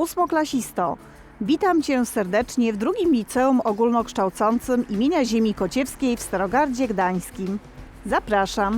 Ósmoklasisto, witam Cię serdecznie w drugim liceum ogólnokształcącym imienia Ziemi Kociewskiej w Starogardzie Gdańskim. Zapraszam.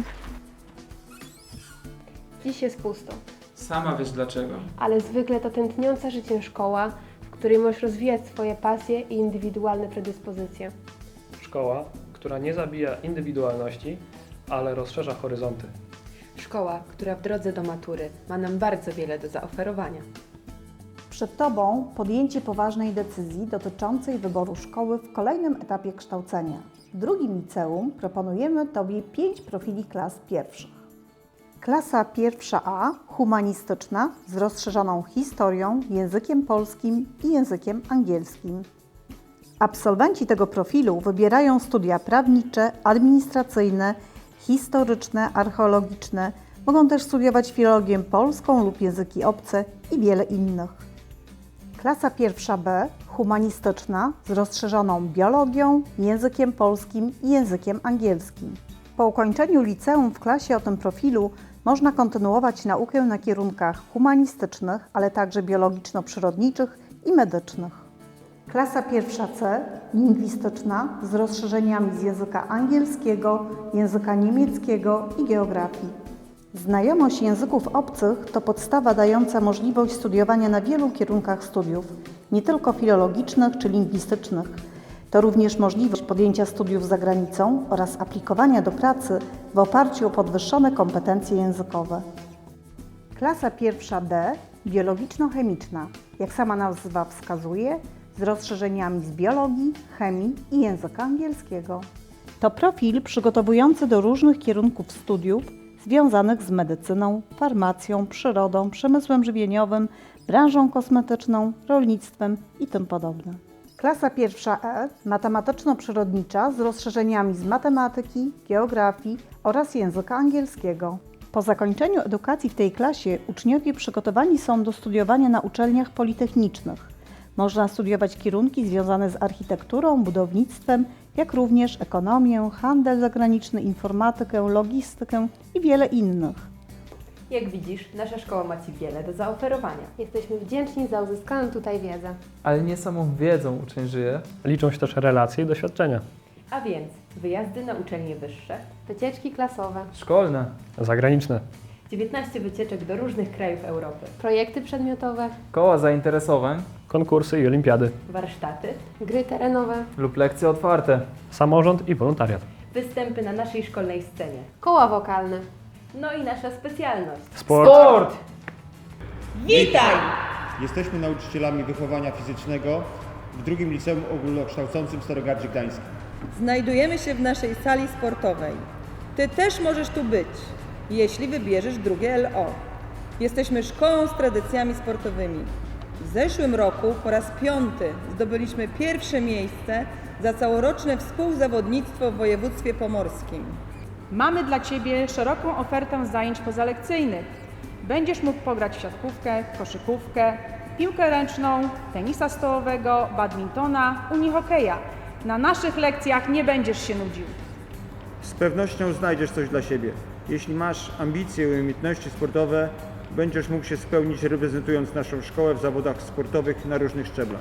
Dziś jest pusto, Sama wiesz dlaczego. ale zwykle to tętniąca życiem szkoła, w której możesz rozwijać swoje pasje i indywidualne predyspozycje. Szkoła, która nie zabija indywidualności, ale rozszerza horyzonty. Szkoła, która w drodze do matury ma nam bardzo wiele do zaoferowania. Przed Tobą podjęcie poważnej decyzji dotyczącej wyboru szkoły w kolejnym etapie kształcenia. W drugim liceum proponujemy Tobie 5 profili klas pierwszych. Klasa pierwsza A, humanistyczna, z rozszerzoną historią, językiem polskim i językiem angielskim. Absolwenci tego profilu wybierają studia prawnicze, administracyjne, historyczne, archeologiczne, mogą też studiować filologię polską lub języki obce i wiele innych. Klasa pierwsza B, humanistyczna, z rozszerzoną biologią, językiem polskim i językiem angielskim. Po ukończeniu liceum w klasie o tym profilu można kontynuować naukę na kierunkach humanistycznych, ale także biologiczno-przyrodniczych i medycznych. Klasa pierwsza C, lingwistyczna, z rozszerzeniami z języka angielskiego, języka niemieckiego i geografii. Znajomość języków obcych to podstawa dająca możliwość studiowania na wielu kierunkach studiów, nie tylko filologicznych czy lingwistycznych. To również możliwość podjęcia studiów za granicą oraz aplikowania do pracy w oparciu o podwyższone kompetencje językowe. Klasa pierwsza D, biologiczno-chemiczna, jak sama nazwa wskazuje, z rozszerzeniami z biologii, chemii i języka angielskiego. To profil przygotowujący do różnych kierunków studiów związanych z medycyną, farmacją, przyrodą, przemysłem żywieniowym, branżą kosmetyczną, rolnictwem i tym podobne. Klasa pierwsza E, matematyczno-przyrodnicza, z rozszerzeniami z matematyki, geografii oraz języka angielskiego. Po zakończeniu edukacji w tej klasie uczniowie przygotowani są do studiowania na uczelniach politechnicznych. Można studiować kierunki związane z architekturą, budownictwem, jak również ekonomię, handel zagraniczny, informatykę, logistykę i wiele innych. Jak widzisz, nasza szkoła ma Ci wiele do zaoferowania. Jesteśmy wdzięczni za uzyskaną tutaj wiedzę. Ale nie samą wiedzą uczeń żyje. Liczą się też relacje i doświadczenia. A więc wyjazdy na uczelnie wyższe, Wycieczki klasowe, Szkolne. Zagraniczne. 19 wycieczek do różnych krajów Europy, projekty przedmiotowe, Koła zainteresowań Konkursy i olimpiady. warsztaty, gry terenowe, lub lekcje otwarte. Samorząd i wolontariat. występy na naszej szkolnej scenie. koła wokalne. No i nasza specjalność. Sport! Jesteśmy nauczycielami wychowania fizycznego w drugim liceum ogólnokształcącym w Starogardzie Gdańskim. Znajdujemy się w naszej sali sportowej. Ty też możesz tu być, jeśli wybierzesz drugie LO. Jesteśmy szkołą z tradycjami sportowymi. W zeszłym roku po raz 5. zdobyliśmy pierwsze miejsce za całoroczne współzawodnictwo w województwie pomorskim. Mamy dla Ciebie szeroką ofertę zajęć pozalekcyjnych. Będziesz mógł pograć w siatkówkę, koszykówkę, piłkę ręczną, tenisa stołowego, badmintona, unihokeja. Na naszych lekcjach nie będziesz się nudził. Z pewnością znajdziesz coś dla siebie. Jeśli masz ambicje i umiejętności sportowe, będziesz mógł się spełnić reprezentując naszą szkołę w zawodach sportowych na różnych szczeblach.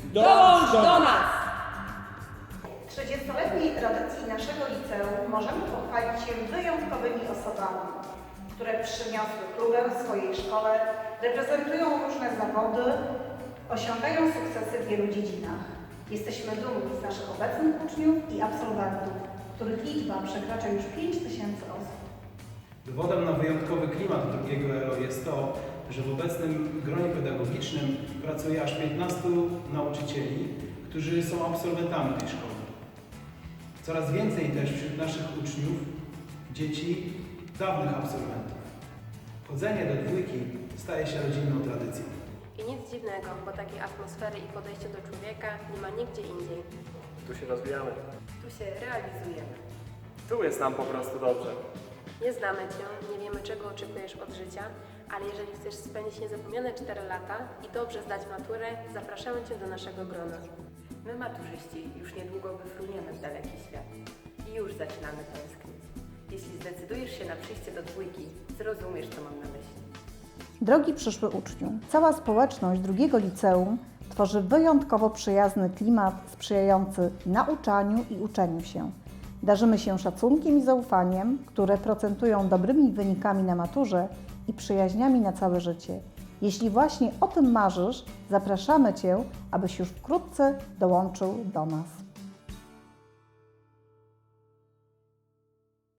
30-letniej tradycji naszego liceum możemy pochwalić się wyjątkowymi osobami, które przyniosły klubę w swojej szkole, reprezentują różne zawody, osiągają sukcesy w wielu dziedzinach. Jesteśmy dumni z naszych obecnych uczniów i absolwentów, których liczba przekracza już 5000 osób. Dowodem na wyjątkowy klimat drugiego ERO jest to, że w obecnym gronie pedagogicznym pracuje aż 15 nauczycieli, którzy są absolwentami tej szkoły. Coraz więcej też wśród naszych uczniów dzieci dawnych absolwentów. Chodzenie do dwójki staje się rodzinną tradycją. I nic dziwnego, bo takiej atmosfery i podejścia do człowieka nie ma nigdzie indziej. Tu się rozwijamy. Tu się realizujemy. Tu jest nam po prostu dobrze. Nie znamy Cię, nie wiemy czego oczekujesz od życia, ale jeżeli chcesz spędzić niezapomniane 4 lata i dobrze zdać maturę, zapraszamy Cię do naszego grona. My maturzyści już niedługo wyfruniemy w daleki świat i już zaczynamy tęsknić. Jeśli zdecydujesz się na przyjście do dwójki, zrozumiesz, co mam na myśli. Drogi przyszły uczniu, cała społeczność drugiego liceum tworzy wyjątkowo przyjazny klimat sprzyjający nauczaniu i uczeniu się. Darzymy się szacunkiem i zaufaniem, które procentują dobrymi wynikami na maturze i przyjaźniami na całe życie. Jeśli właśnie o tym marzysz, zapraszamy Cię, abyś już wkrótce dołączył do nas.